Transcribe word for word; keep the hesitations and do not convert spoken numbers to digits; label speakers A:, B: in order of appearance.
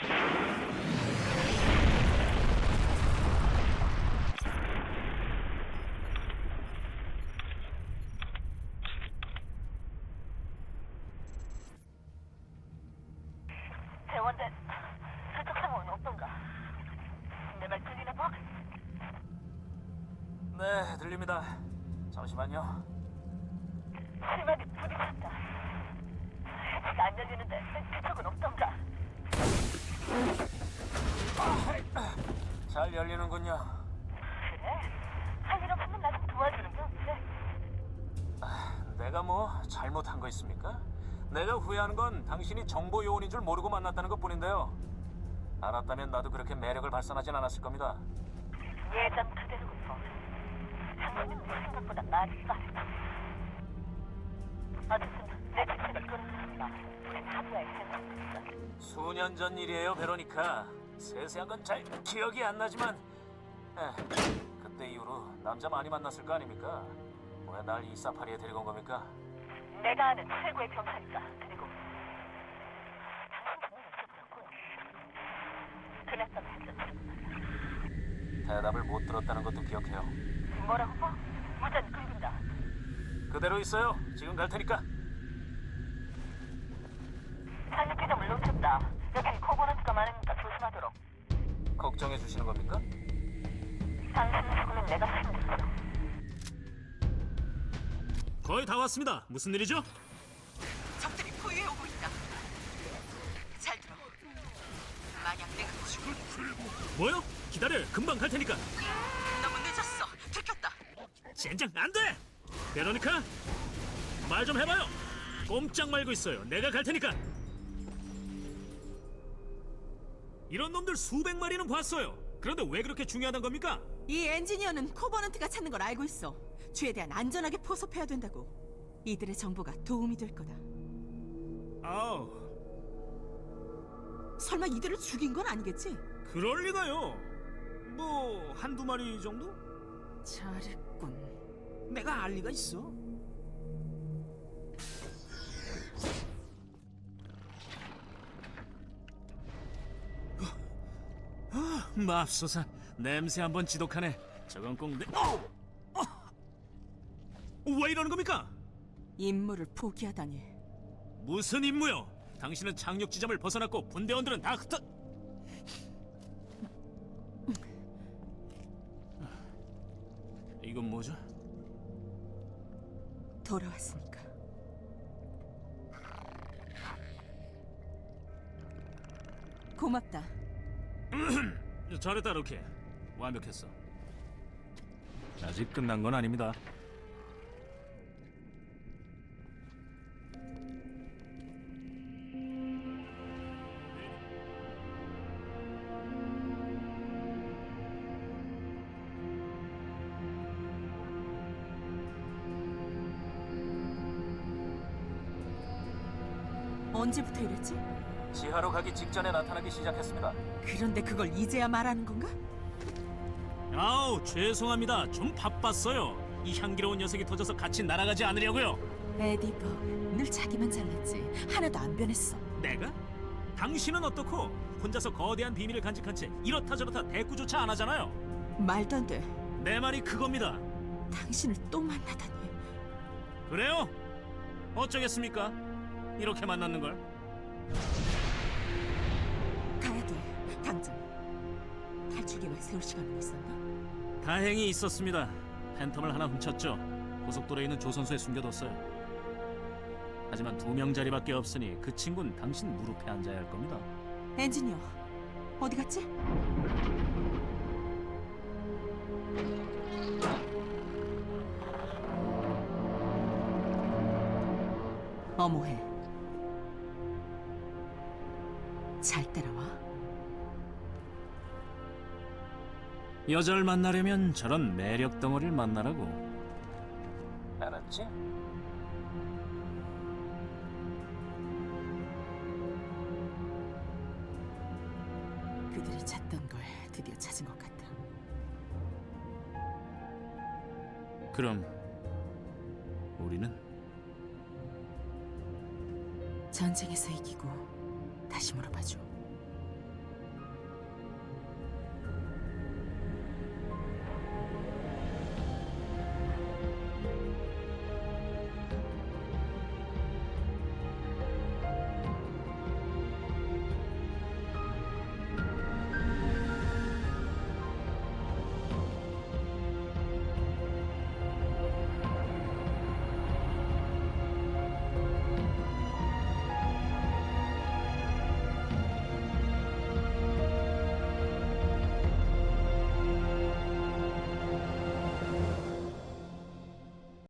A: 대원대, 실적 상황은 어떤가? 내 말 들리나 봐?
B: 네, 들립니다. 잠시만요.
A: 심하게 부딪혔다. 해치가 안 열리는데 그쪽은 없던가?
B: 잘 열리는군요.
A: 그래? 할 일 없으면 나 좀 도와주는 게 없지?
B: 내가 뭐 잘못한 거 있습니까? 내가 후회하는 건 당신이 정보 요원인 줄 모르고 만났다는 것뿐인데요. 알았다면 나도 그렇게 매력을 발산하진 않았을 겁니다.
A: 예전 그대로군요. 장모님 생각보다 말이 빠르다. 어쨌든 내 직책을 끊었습니다. 우린 합의할 생각입니다.
B: 수년 전 일이에요, 베로니카. 세세한 건 잘 기억이 안 나지만 에, 그때 이후로 남자 많이 만났을 거 아닙니까? 왜 날 이 사파리에 데리고 온 겁니까?
A: 내가 아는 최고의 병사니까. 그리고 당신 분명히 여쭤보렸군. 그랬던 했던
B: 대답을 못 들었다는 것도 기억해요.
A: 뭐라고 봐? 무전 끊긴다.
B: 그대로 있어요. 지금 갈 테니까.
A: 산림지점을 놓쳤다. 여긴 코버넌트가 많으니까 조심하도록.
B: 걱정해 주시는 겁니까?
A: 당신 죽으면 내가 책임졌어.
C: 거의 다 왔습니다. 무슨 일이죠?
D: 적들이 포위해 오고 있다. 잘 들어. 만약 내가 죽을
C: 뭐요? 기다려. 금방 갈 테니까.
D: 너무 늦었어. 들켰다.
C: 젠장 안 돼. 베로니카, 말 좀 해봐요. 꼼짝 말고 있어요. 내가 갈 테니까. 이런 놈들 수백 마리는 봤어요. 그런데 왜 그렇게 중요하단 겁니까?
E: 이 엔지니어는 코버넌트가 찾는 걸 알고 있어. 최대한 안전하게 포섭해야 된다고. 이들의 정보가 도움이 될 거다.
C: 아우,
E: 설마 이들을 죽인 건 아니겠지?
C: 그럴 리가요. 뭐 한두 마리 정도?
E: 잘했군.
C: 내가 알 리가 있어. 아, 맙소사. 냄새 한번 지독하네. 저건 꼭 내... 어! 어! 왜 이러는 겁니까?
E: 임무를 포기하다니.
C: 무슨 임무요? 당신은 착륙 지점을 벗어났고 분대원들은 다 흩어... 이건 뭐죠?
E: 돌아왔으니까. 고맙다.
C: 잘했다, 로키. 완벽했어. 아직 끝난 건 아닙니다.
E: 언제부터 이랬지?
B: 지하로 가기 직전에 나타나기 시작했습니다.
E: 그런데 그걸 이제야 말하는 건가?
C: 아우, 죄송합니다. 좀 바빴어요. 이 향기로운 녀석이 터져서 같이 날아가지 않으려고요.
E: 에디 벅, 늘 자기만 잘났지. 하나도 안 변했어.
C: 내가? 당신은 어떻고? 혼자서 거대한 비밀을 간직한 채 이렇다 저렇다 대꾸조차 안 하잖아요.
E: 말도 안 돼.
C: 내 말이 그겁니다.
E: 당신을 또 만나다니.
C: 그래요? 어쩌겠습니까? 이렇게 만났는 걸.
E: 가야 돼. 당장. 탈출 계획 세울 시간은 있었나?
C: 다행히 있었습니다. 팬텀을 하나 훔쳤죠. 고속도로에 있는 조선소에 숨겨뒀어요. 하지만 두 명자리밖에 없으니 그 친구는 당신 무릎에 앉아야 할 겁니다.
E: 엔지니어, 어디 갔지? 어머해. 잘 따라와.
C: 여자를 만나려면 저런 매력 덩어리를 만나라고.
B: 알았지?
E: 그들이 찾던 걸 드디어 찾은 것 같아.
C: 그럼 우리는?
E: 전쟁에서 이기고 다시 물어봐줘.